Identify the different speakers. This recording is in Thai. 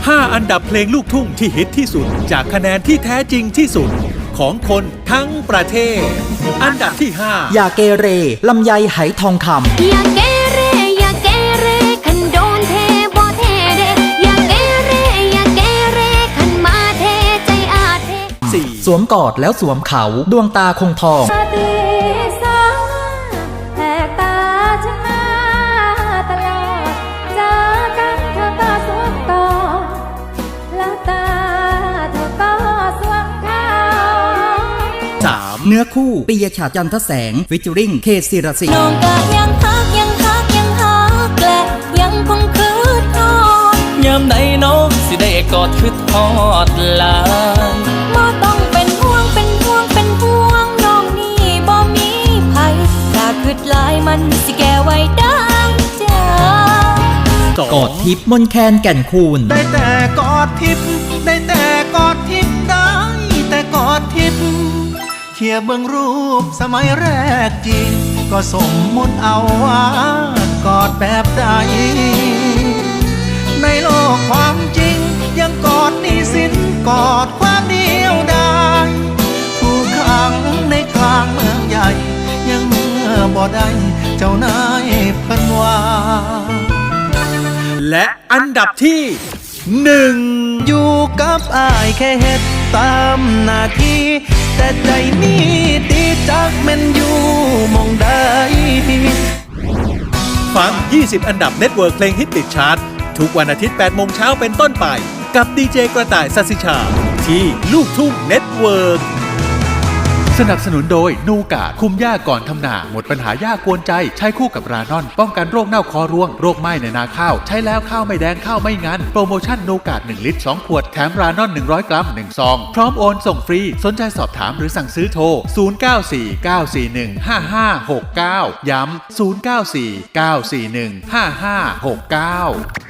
Speaker 1: 5 อันดับเพลงลูกทุ่งที่ฮิตที่สุดจากคะแนนที่แท้จริงที่สุดของคนทั้งประเทศอันดับที่5
Speaker 2: อย่าเกเรลำไยไหทองคำ
Speaker 3: อย่าเกเรอย่าเกเรคันโดนเทบ่เทเดอย่าเกเรอย่าเกเรคันมาเทใจอาเท
Speaker 1: 4
Speaker 2: สวมกอดแล้วสวมเขาดวงตาคงทอง
Speaker 3: แหกตาฉันมาตลอดเจอกันเธอก็สวมกอดแล้วตาเธอก็สวมเขา
Speaker 2: 3เนื้อคู่ปิยชาติจันทแสงฟิชเจอริงเคศิรศิลป์
Speaker 3: น้องก็ยังฮักและยังคงคืดทอด
Speaker 4: ยามใดน้องสิได้กอดคืดทอดลาย
Speaker 3: บ่ต้องเป็นห่วงน้องนี่บ่มีภัยถ้าคืดหลายมันสิแก้ไว้ดังใจ
Speaker 2: กอดทิพย์มนแคนแก่นคูณ
Speaker 5: ได้แต่กอดทิพย์ได้แต่กอดทิพย์ได้แต่กอดทิพย์เขียเบื้องรูปสมัยแรกจริงก็สมมุติเอาว่ากอดแบบใดในโลกความจริงยังกอดหนี้สินกอดความเดียวดายถูกขังในกลางเมืองใหญ่ยังเมื่อบ่ได้เจ้านายเพิ่นว่า
Speaker 1: และอันดับที่1
Speaker 5: อยู่กับอ้ายแค่เฮ็ดตามหน้าที่แต่ใจนี้ดีจักแม่นอยู่มองใด
Speaker 1: ฟัง20 อันดับเน็ตเวิร์กเพลงฮิตติดชาร์ตทุกวันอาทิตย์ 8 โมงเช้าเป็นต้นไปกับดีเจกระต่ายสัสิชาที่ลูกทุ่งเน็ตเวิร์กสนับสนุนโดยนูกาดคุมหญ้าก่อนทำนาหมดปัญหาหญ้ากวนใจใช้คู่กับรานอนป้องกันโรคเน่าคอร่วงโรคไหม้ในนาข้าวใช้แล้วข้าวไม่แดงข้าวไม่งันโปรโมชั่นนูกาด1 ลิตร 2 ขวดแถมรานอน100 กรัม1 ซองพร้อมโอนส่งฟรีสนใจสอบถามหรือสั่งซื้อโทร0949415569ย้ำ0949415569